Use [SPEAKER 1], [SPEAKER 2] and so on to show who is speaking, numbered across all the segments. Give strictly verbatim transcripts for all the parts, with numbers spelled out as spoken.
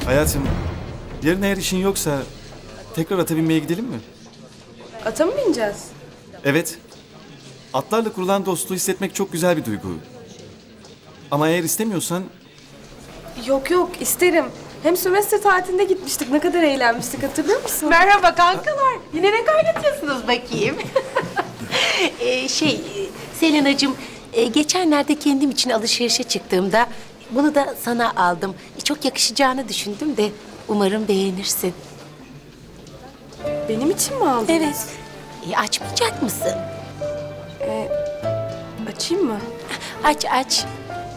[SPEAKER 1] Hayatım, yarın eğer işin yoksa tekrar ata binmeye gidelim mi?
[SPEAKER 2] Ata mı bineceğiz?
[SPEAKER 1] Evet. Atlarla kurulan dostluğu hissetmek çok güzel bir duygu. Ama eğer istemiyorsan
[SPEAKER 2] Yok yok isterim. Hem sömestr tatilinde gitmiştik. Ne kadar eğlenmiştik hatırlıyor musun?
[SPEAKER 3] Merhaba kankalar. Yine ne kaynatıyorsunuz bakayım? ee, şey, e, Selena'cığım, e, geçenlerde kendim için alışverişe çıktığımda bunu da sana aldım. E, çok yakışacağını düşündüm de umarım beğenirsin.
[SPEAKER 2] Benim için mi aldın?
[SPEAKER 3] Evet. E, açmayacak mısın?
[SPEAKER 2] Açayım mı?
[SPEAKER 3] Aç aç.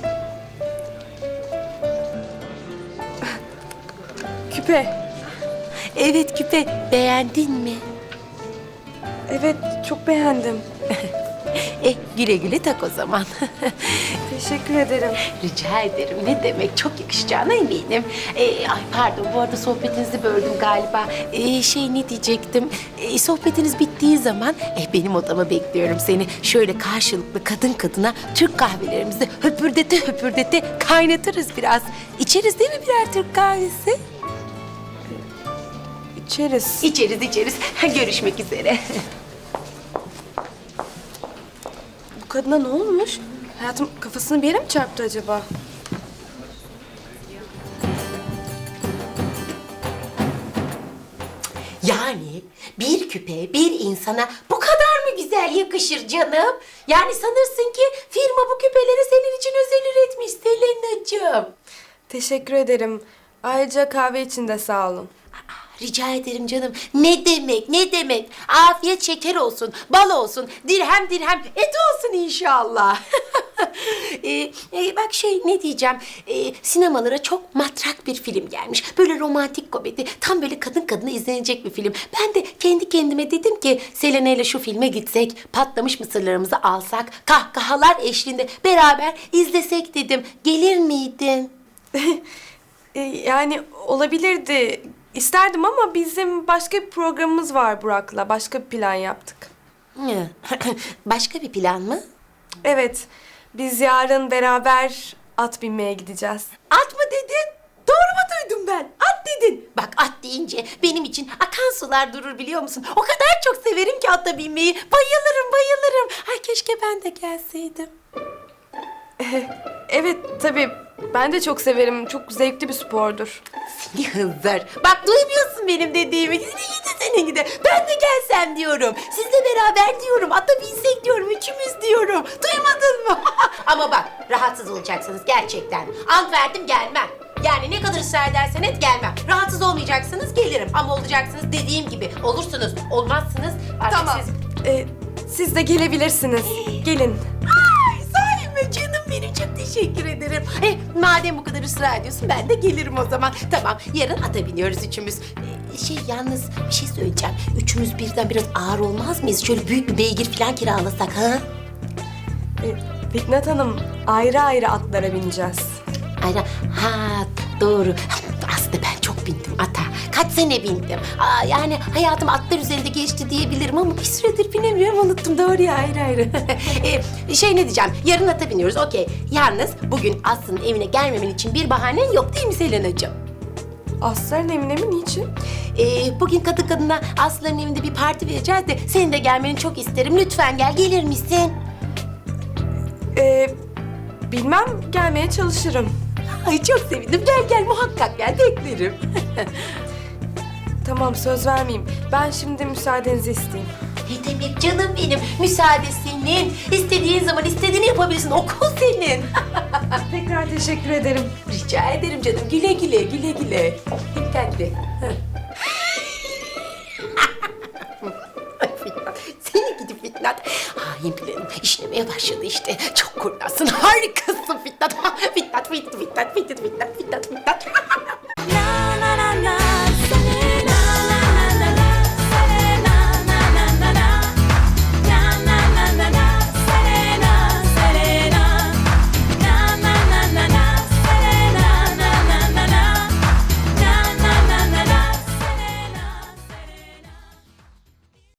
[SPEAKER 2] Küpe.
[SPEAKER 3] Evet küpe, beğendin mi?
[SPEAKER 2] Evet çok beğendim.
[SPEAKER 3] Eh, güle güle tak o zaman.
[SPEAKER 2] Teşekkür ederim.
[SPEAKER 3] Rica ederim. Ne demek? Çok yakışacağına eminim. Ee, ay pardon, bu arada sohbetinizi böldüm galiba. Ee, şey ne diyecektim? Ee, sohbetiniz bittiği zaman eh, benim odama bekliyorum seni. Şöyle karşılıklı kadın kadına Türk kahvelerimizi höpürdete höpürdete kaynatırız biraz. İçeriz değil mi birer Türk kahvesi?
[SPEAKER 2] İçeriz.
[SPEAKER 3] İçeriz içeriz. Görüşmek üzere.
[SPEAKER 2] Bu kadına ne olmuş? Hayatım kafasını bir yere mi çarptı acaba?
[SPEAKER 3] Yani bir küpe bir insana bu kadar mı güzel yakışır canım? Yani sanırsın ki firma bu küpeleri senin için özel üretmiş Selena'cığım.
[SPEAKER 2] Teşekkür ederim. Ayrıca kahve için de sağ olun.
[SPEAKER 3] Rica ederim canım. Ne demek, ne demek? Afiyet şeker olsun, bal olsun, dirhem dirhem et olsun inşallah. ee, e, bak şey ne diyeceğim, ee, sinemalara çok matrak bir film gelmiş. Böyle romantik komedi, tam böyle kadın kadına izlenecek bir film. Ben de kendi kendime dedim ki Selena ile şu filme gitsek, patlamış mısırlarımızı alsak, kahkahalar eşliğinde beraber izlesek dedim. Gelir miydin?
[SPEAKER 2] Ee, yani olabilirdi. İsterdim ama bizim başka bir programımız var Burak'la. Başka bir plan yaptık.
[SPEAKER 3] Hı. Başka bir plan mı?
[SPEAKER 2] Evet, biz yarın beraber at binmeye gideceğiz.
[SPEAKER 3] At mı dedin? Doğru mu duydum ben? At dedin. Bak at deyince benim için akan sular durur biliyor musun? O kadar çok severim ki ata binmeyi. Bayılırım bayılırım. Ay keşke ben de gelseydim.
[SPEAKER 2] Evet, tabii. Ben de çok severim. Çok zevkli bir spordur.
[SPEAKER 3] Seni hınzır. Bak duymuyorsun benim dediğimi. Seni gidi seni gidi. Ben de gelsem diyorum. Sizle beraber diyorum. Ata binsek diyorum. Üçümüz diyorum. Duymadın mı? Ama bak rahatsız olacaksınız gerçekten. Ant verdim gelmem. Yani ne kadar ısrar edersen et gelmem. Rahatsız olmayacaksınız gelirim. Ama olacaksınız dediğim gibi. Olursunuz. Olmazsınız. Artık
[SPEAKER 2] Tamam.
[SPEAKER 3] siz...
[SPEAKER 2] Ee, siz de gelebilirsiniz. Gelin.
[SPEAKER 3] Ay sahi mi canım benim çok teşekkür ederim. Eh, madem bu kadar ısrar ediyorsun ben de gelirim o zaman. Tamam yarın ata biniyoruz üçümüz. Ee, şey yalnız bir şey söyleyeceğim. Üçümüz birden biraz ağır olmaz mıyız? Şöyle büyük bir beygir falan kiralasak ha?
[SPEAKER 2] Ee, Fitnat Hanım, ayrı ayrı atlara bineceğiz.
[SPEAKER 3] Aynen. Ha doğru. Aslında ben çok bindim ata. Kaç sene bindim. Aa, yani hayatım atlar üzerinde geçti diyebilirim ama bir süredir binemiyorum. Unuttum doğru ya ayrı ayrı. ee, şey ne diyeceğim. Yarın ata biniyoruz okey. Yalnız bugün Aslı'nın evine gelmemen için bir bahanen yok değil mi Selena'cığım?
[SPEAKER 2] Asların evine mi? Niçin?
[SPEAKER 3] Ee, bugün kadın kadına Aslı'nın evinde bir parti vereceğiz de senin de gelmeni çok isterim. Lütfen gel gelir misin?
[SPEAKER 2] Ee, bilmem, gelmeye çalışırım.
[SPEAKER 3] Ay çok sevindim. Gel gel muhakkak gel beklerim.
[SPEAKER 2] Tamam, söz vermeyeyim. Ben şimdi müsaadenizi isteyeyim.
[SPEAKER 3] Ne demek canım benim? Müsaade senin. İstediğin zaman istediğini yapabilirsin. Okul senin.
[SPEAKER 2] Tekrar teşekkür ederim.
[SPEAKER 3] Rica ederim canım. Güle güle, güle güle. Dikkatli. Ay Fitnat, seni gidi Fitnat. Hain planım işlemeye başladı işte. Çok kurnazsın, harikasın Fitnat. Fitnat, Fitnat, Fitnat, Fitnat, Fitnat, Fitnat.